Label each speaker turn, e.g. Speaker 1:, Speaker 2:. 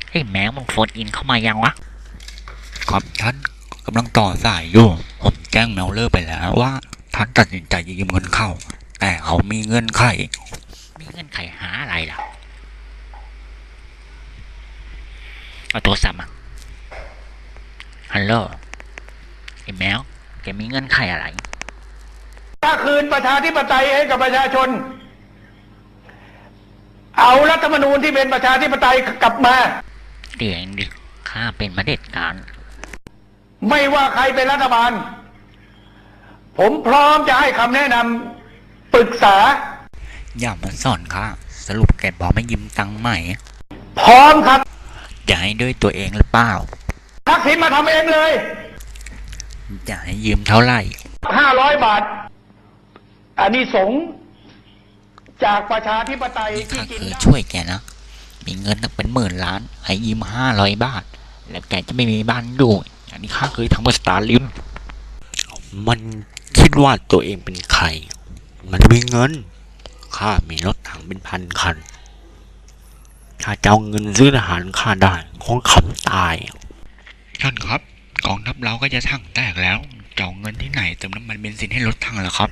Speaker 1: ไอ้แมวมึงโฟนอินเข้ามายังวะ
Speaker 2: ครับท่านกำลังต่อสายอยู่ผมแจ้งแมวเลอร์ไปแล้วว่าท่านตัดสินใจยืมเงินเข้าแต่เขามีเงื่อนไข
Speaker 1: มีเงื่อนไขหาอะไรล่ะเอาโทรศัพท์มาฮัลโหลไอ้แมวแกมีเงื่อนไขอะไร
Speaker 3: ถ้าคืนประชาธิปไตยให้กับประชาชนเอารัฐธรรมนูญที่เป็นประชาธิปไตยกลับมา
Speaker 1: เดี๋ยวเองดิข้าเป็นมาเด็จการ
Speaker 3: ไม่ว่าใครเป็นรัฐบาลผมพร้อมจะให้คำแนะนำปรึกษา
Speaker 2: อย่ามาสอนค่ะสรุปแกบอกไม่ยืมตังค์ใหม่
Speaker 3: พร้อมครับ
Speaker 2: จะให้ด้วยตัวเองหรือเปล่า
Speaker 3: ทักษิณมาทำเองเลย
Speaker 2: จะให้ยืมเท่าไหร่
Speaker 3: 500 บาทอันนี้สงจากประชาธิปไตยที่
Speaker 2: กินได้ช่วยแกนะมีเงินตั้งเป็น10,000,000ให้ยืม500 บาทแล้วแกจะไม่มีบ้านอยู่อันนี้ข้าเคยทำกับสตาร์ลิมมันคิดว่าตัวเองเป็นใครมันมีเงินข้ามีรถถังเป็นพันคันถ้าจะเอาเงินซื้อทหารข้าได้คงขำตายท่านครับกองทัพเราก็จะถังแตกแล้วจะเอาเงินที่ไหนเติมน้ำมันเบนซินให้รถถังเหรอครับ